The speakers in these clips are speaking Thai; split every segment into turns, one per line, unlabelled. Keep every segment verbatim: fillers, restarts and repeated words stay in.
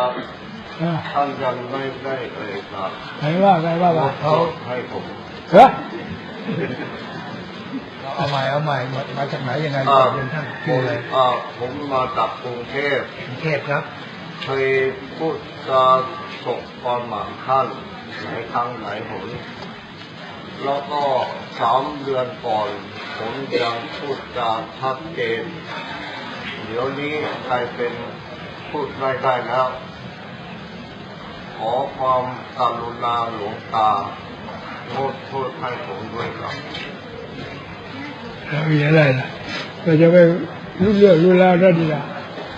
ท่านยังไม่ได้เอ่ยปาก
ไหนว่าไงว่าว่า
เขาให้ผม
เฮ้ย
เอาใหม่เอาใหม่มาจากไหนยังไงเรียนท่านชื่ออะไร
ผมมาจากกรุงเทพ
กรุงเทพครับ
เคยพูดจาสบความหมายท่านหลายครั้งหลายหนแล้วก็สามเดือนก่อนผมยังพูดจาชัดเจนเดี๋ยวนี้กลายเป็นพูดไม่ได้แล้วขอความกรุณาหลวงตาโทษโทษให้ผมด้วยครับ
แล้วมีอะไรล่ะเราจะไปรู้เรื่องรู้แล้วได้ดีละ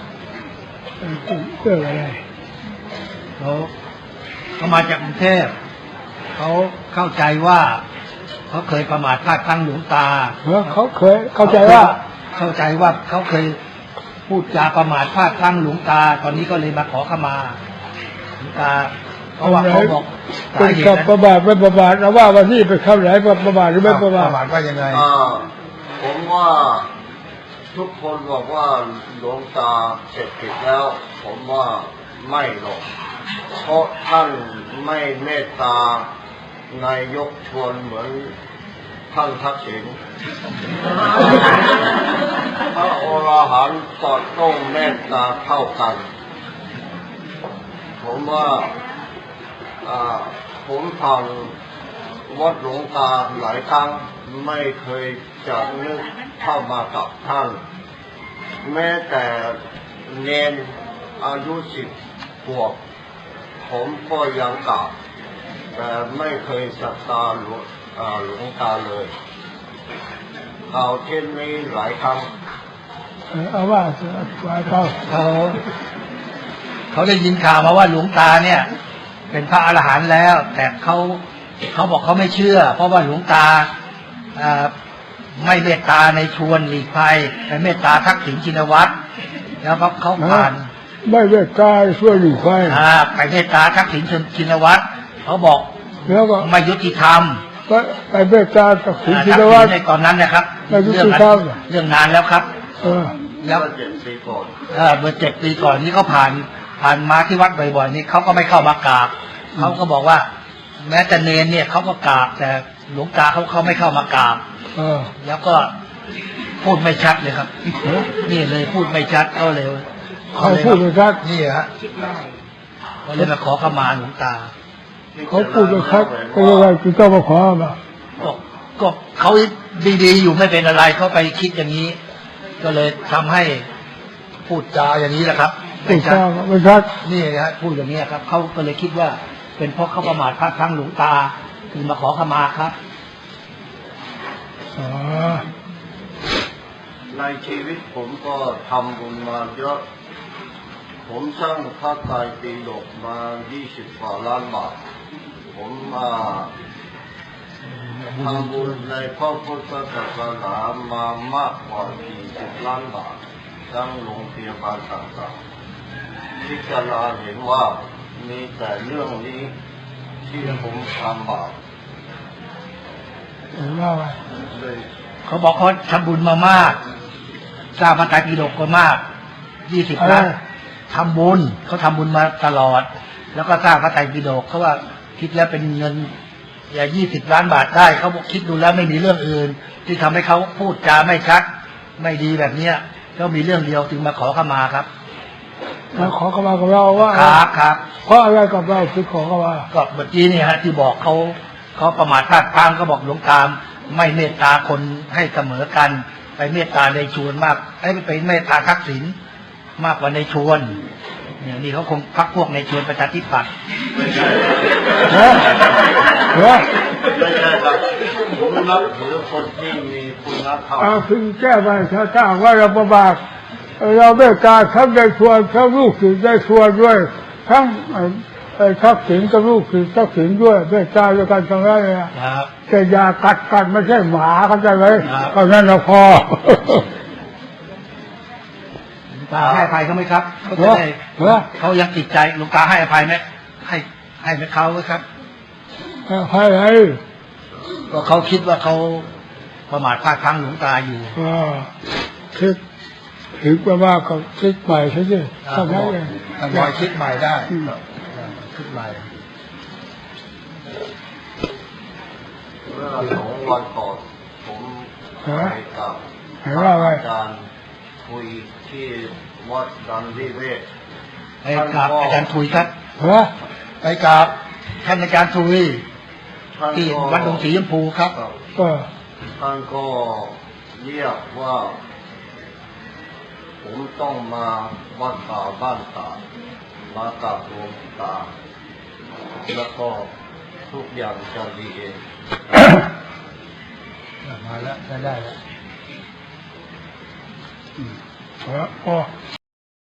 เรื่องอะไร
เขาเขามาจากกรุงเทพเขาเข้าใจว่าเขาเคยประมาทพลาดพลั้งหลวงตา
เขาเคยเข้าใจว่า
เข้าใจว่าเขาเคยพูดจาประมาทพลาดพลั้งหลวงตาตอนนี้ก็เลยมาขอขมาหลวงตาเพราะว่าเขาบอก
เป็นกับประบาทไม่ประบาทเราว่าวันนี้เป็นคำไหนประบาทหรือไม่ประบาท
ประบาทว่ายังไง
ผมว่าทุกคนบอกว่าหลวงตาเสร็จผิดแล้วผมว่าไม่หรอกเพราะท่านไม่เมตตานายกชวนเหมือนท่านทักษิณพระอรหันต์ก็ต้องเมตตาเท่ากันผมว่าผมฟังวัดหลวงตาหลายครั้งไม่เคยจะนึกเข้ามากับท่านแม้แต่เนนอายุสิบขวบผมก็ยังกราบแต่ไม่เคยศรัทธาหลวงหลวงตาเลยเอาเช่นนี้หลายครั้ง
เอาว่าว่าเขา
เขาเขาได้ยินข่าวมาว่าหลวงตาเนี่ยเป็นพระอรหันต์แล้วแต่เขาเขาบอกเขาไม่เชื่อเพราะว่าหลวงตาไม่เมตตาในชวนหลีกภัยแต่เมตตาทักษิณชินวัตรแล้วเขาเขาผ่าน
ไม่เมตตาช่วยหลีกภัย
ไปเมตตาทักษิณชินวัตรเขาบอก
แล้วก็
ไม่ยุติธรรม
ไปเมตตาทักษิณชินวัตร
ในตอนนั้นนะครับ
เรื่อง
เรื่องนานแล้วครับ
แล้วเจ็ดปีก่อน
เมื่อเจ็ดปีก่อนนี้เขาผ่านผ่านมาที่วัดบ่อยๆนี่เขาก็ไม่เข้ามากราบเขาก็บอกว่าแม้แต่เนรเนี่ยเขาก็กราบแต่หลวงตาเขาเขาไม่เข้ามากราบแล้วก็พูดไม่ชัดเลยครับนี่เลยพูดไม่ชัดเขาเลย
เขาพูดไม่ชัด
นี่ฮะก็เลยมาขอขมาหลวงตา
เขาพูดไม่ชัดก็เลยว่าจะต้องมาขอมา
ก็เขาดีๆอยู่ไม่เป็นอะไรเขาไปคิดอย่างนี้ก็เลยทำให้พูดจาอย่างนี้แหละครับ
ไม่ชัดไม่ชัด
นี่ฮะพูดอย่างนี้ครับเขาก็เลยคิดว่าเป็นเพราะเขาประมาทพลาดพลั้งหลวงตาคือมาขอขมาครับ
ในชีวิตผมก็ทำบุญมาเยอะผมสร้างพระไตรปิฎกมายี่สิบกว่าล้านบาทผมมาทำบุญในพระพุทธศาสนามามากกว่าสี่สิบล้านบาททั้งโรงพยาบาลต่างๆพิจารณาเห็นว่ามีแต่เรื่องนี้ที่ผมทำบาป
เขาบอกเขาทำบุญมามากสร้างพระไตรปิฎกก็มากยี่สิบล้านทำบุญเขาทำบุญมาตลอดแล้วก็สร้างพระไตรปิฎกเขาว่าคิดแล้วเป็นเงินอย่ายี่สิบล้านบาทได้เขาบอกคิดดูแล้วไม่มีเรื่องอื่นที่ทำให้เขาพูดจาไม่ชัดไม่ดีแบบเนี้ยก็มีเรื่องเดียวจึงมาขอขมาครับ
มาขอขมากับเราว่า
ครับครับ
เพราะอะไรกับเราคือขอขมา
ก็เมื่อกี้นี่ฮะที่บอกเขาเขาประมาทพลาดพลั้งก็บอกหลวงตาไม่เมตตาคนให้เสมอกันไปเมตตาในชวนมากให้ไปเมตตาทักษิณมากกว่าในชวนอย่างนี้เขาคงพักพวกในชวนประชาธิปัตย์
ไม่ใช่เหรอไม่ใช่ครับผมนับถือคนที่มีคุณธรรม
เอาถึงแก้ไปถ้าถ้าว่าเราประมาทเราเมตตาทั้งในชวนทั้งลูกศิษย์ในชวนด้วยทั้งทักษิณกับลูกศิษย์ทักษิณด้วยเมตตาด้วยกันทั้งนั้นเลยแต่อย่ากัดกันไม่ใช่หมาเข้าใจไหมเพราะนั้นเราพอ
ตาให้อภัยเขาไหมครับเขาจะได้เขายังติดใจหลวงตาให้อภัยไหมให้ให้ไหมเขาครับ
ให้ให้
ก็เขาคิดว่าเขาประมาทพลาดพลั้งหลวงตาอยู่
คิดถึงประมาณก็คิดใหม่ใช่ไหมทำไมเอง
ทำไมคิดใหม่ได้
อืม
คิดใหม่
เมื่อสองวันก่อนผมไปกับ
เห็นว่าไง
อาจารย์คุยที่วัดดันทิเวศ
ไปกราบอาจารย์ทุยครับ
ฮะ
ไปกราบท่านอาจารย์ทุย
ท่าน
ที่
ก็
วัดดงสีชมพูครับ
ก็
ท่านก็เรียกว่า ผมต้องมาวัดป่าบ้านตามากับหลวงตา แล้วก็ทุกอย่างจะดีเอง
มาแล้วได้แล้ว
พอ